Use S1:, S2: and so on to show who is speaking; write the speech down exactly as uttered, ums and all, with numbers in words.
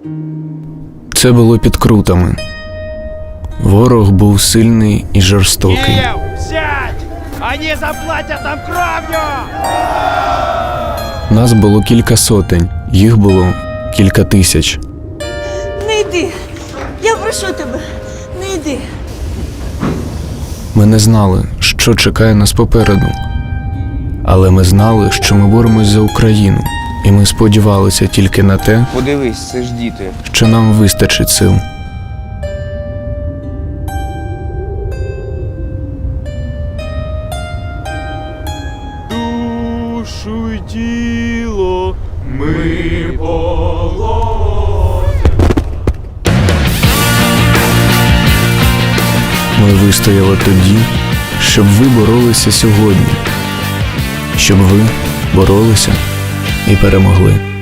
S1: Це було під Крутами. Ворог був сильний і жорстокий.
S2: Киев, сядь! Они заплатят нам кровью!
S1: Нас було кілька сотень, їх було кілька тисяч.
S3: Не йди. Я прошу тебе, не йди.
S1: Ми не знали, що чекає нас попереду. Але ми знали, що ми боремось за Україну. І ми сподівалися тільки на те,
S4: Подивись, це ж діти.
S1: що нам вистачить сил.
S2: Душу й тіло ми
S1: Ми вистояли тоді, щоб ви боролися сьогодні. Щоб ви боролися і перемогли.